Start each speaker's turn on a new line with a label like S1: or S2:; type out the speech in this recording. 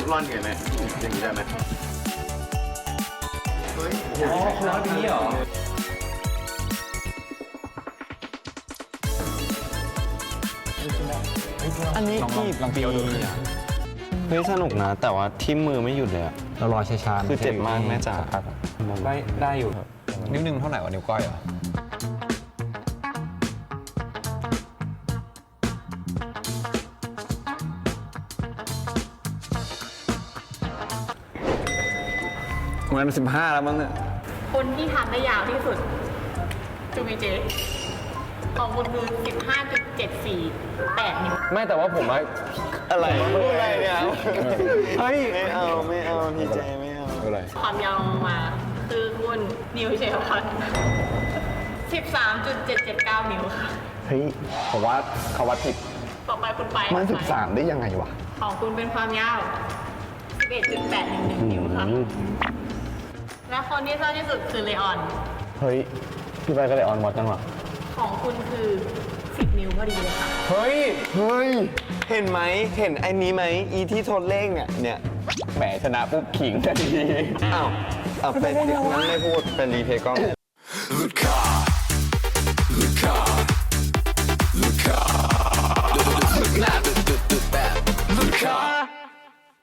S1: ร่อนไงไหมอย่างนี้ได้ไหมเฮ้ย
S2: อ๋อคนละนี้เหรอ
S3: อันนี้
S2: ลองเคี้ยวดู
S3: เฮ้ยสนุกนะ แต่ว่าทิ่มมือไม่หยุดเลยอะ
S2: เรารอช้าๆ
S3: คือเจ็บมากแม่จ๋า
S2: ได้อยู่นิ้วหนึ่งเท่าไหร่วะนิ้วก้อยเหรอมัน15แล้วมั้งเนี่ย
S4: คนที่ทำได้ยาวที่สุดจูมีเจของคุณคือ 15.748 นิ้ว
S2: ไม่แต่ว่าผมว่า
S3: อะไรพูดอะไรเนี่ยเฮ้ยไม่เอาพี่เจไม่เอา
S2: อะไร
S4: ความยาวมาคือคุณนิวเชลพัน13.779 นิ้วค่ะ
S1: เฮ้ยผมว่าเขาวัดผิด
S4: ต่อไปคุณไป
S1: มัน
S4: ค่ะ
S1: 13ได้ยังไงวะ
S4: ของคุณเป็นความยาว 11.811 นิ้วค่ะ และคนที่สั้นที่สุดคือเลออน
S3: เฮ้ยพี่ไปก็เลยออนมอดจังหวะ
S4: ของคุณคือ 10 นิ้วพอดีเลยค่ะ
S2: เฮ้ย
S3: เห็นไหมเห็นไอ้นี้ไหมอีที่ทดเลขเนี่ยแหมชนะปุ๊บขิงทันทีอ้าวเป็นงั้นไม่พูดเป็นรีเพย์กล้อง